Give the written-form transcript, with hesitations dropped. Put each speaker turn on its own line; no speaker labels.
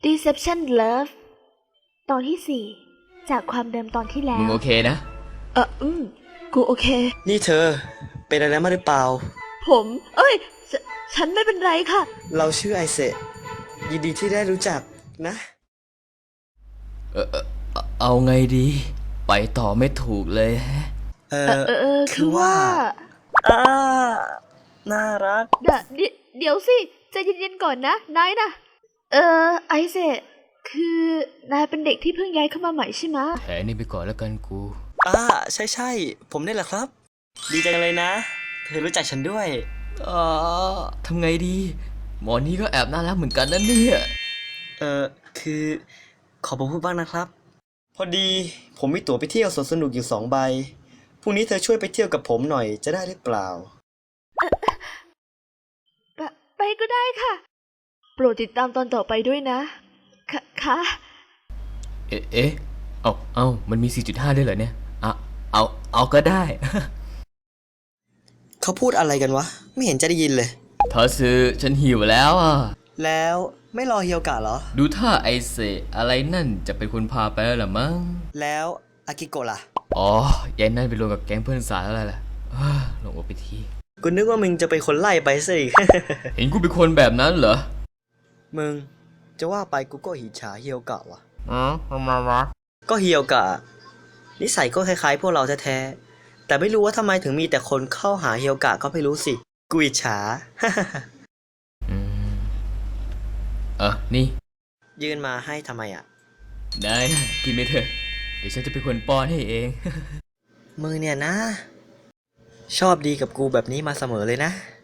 Deception Love ตอนที่4จากความเดิมตอนที่แล้ว
มึงโอเคนะ
กูโอเค
นี่เธอเป็นอะไรมาหรือเปล่า
ผมฉันไม่เป็นไรค่ะ
เราชื่อไอเซะยินดีที่ได้รู้จักนะ
เอาไงดี ไปต่อไม่ถูกเลยฮะ
คือว่า
น่ารัก
เดี๋ยวสิใจเย็นๆก่อนนะนายนะไอเซคือนายเป็นเด็กที่เพิ่งย้ายเข้ามาใหม่ใช่ไหม
แผลนี่ไปก่อนแล้วกันกู
ใช่ผมนี่แหละครับดีจังเลยนะเธอรู้จักฉันด้วย
ทำไงดี หมอนี่ก็แอบน่ารักเหมือนกันนั่นเนี่ย
คือขอผมพูดบ้างนะครับพอดีผมมีตั๋วไปเที่ยวสวนสนุกอยู่2 ใบพรุ่งนี้เธอช่วยไปเที่ยวกับผมหน่อยจะได้หรือเปล่า
ไปก็ได้ค่ะโปรดติดตามตอนต่อไปด้วยนะค่ะ
มันมี 4.5 ด้วยเหรอเนี่ยเอาก็ได้
เขาพูดอะไรกันวะไม่เห็นจะได้ยินเลย
ทอซื้อฉันหิวแล้วอ่ะ
แล้วไม่รอเฮียวกะเหรอ
ดูท่าไอเซอะไรนั่นจะเป็นคนพาไปแล้วล่ะมั้ง
แล้วอากิโกะล่ะ
ยายนั่นไปรวมกับแก๊งเพื่อนสาวแล้วล่ะลงอกไปที
กูนึกว่ามึงจะเป็นคนไล่ไปซะอีก
เห็นกูเป็นคนแบบนั้นเหรอ
มึงจะว่าไปกูก็อิจฉาเฮียวกะว่ะ
ทำไมวะ
ก็เฮียวกะนิสัยก็คล้ายๆพวกเราแท้ๆแต่ไม่รู้ว่าทำไมถึงมีแต่คนเข้าหาเฮียวกะก็ไม่รู้สิกูอิจฉา
นี่
ยื่นมาให้ทำไมอ่ะ
ได้นะกินไปเถอะเดี๋ยวฉันจะเป็นคนป้อนให้เอง
มึงเนี่ยนะชอบดีกับกูแบบนี้มาเสมอเลยนะ